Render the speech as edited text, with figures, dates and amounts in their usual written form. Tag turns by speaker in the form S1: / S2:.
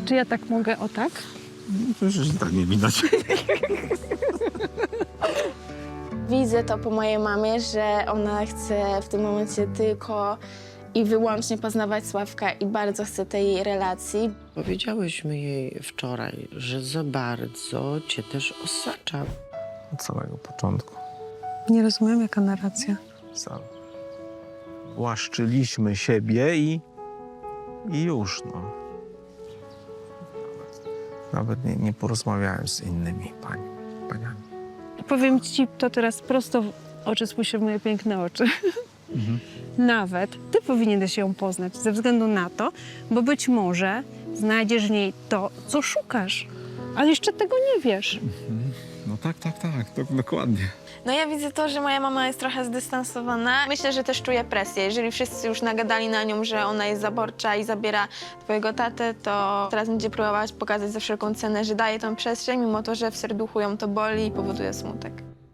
S1: Czy ja tak mogę, o tak?
S2: Przecież tak nie widać.
S3: Widzę to po mojej mamie, że ona chce w tym momencie tylko i wyłącznie poznawać Sławka i bardzo chce tej relacji.
S4: Powiedziałyśmy jej wczoraj, że za bardzo cię też osacza.
S2: Od samego początku.
S1: Nie rozumiem, jaka narracja.
S2: Łaszczyliśmy siebie i już, no. Nawet nie porozmawiałem z innymi paniami.
S1: Powiem ci to teraz prosto w oczy, spójrz w moje piękne oczy. Nawet ty powinieneś ją poznać ze względu na to, bo być może znajdziesz w niej to, co szukasz. Ale jeszcze tego nie wiesz.
S2: No tak, dokładnie.
S3: No ja widzę to, że moja mama jest trochę zdystansowana. Myślę, że też czuje presję. Jeżeli wszyscy już nagadali na nią, że ona jest zaborcza i zabiera twojego tatę, to teraz będzie próbować pokazać za wszelką cenę, że daje tą przestrzeń, mimo to, że w serduchu ją to boli i powoduje smutek.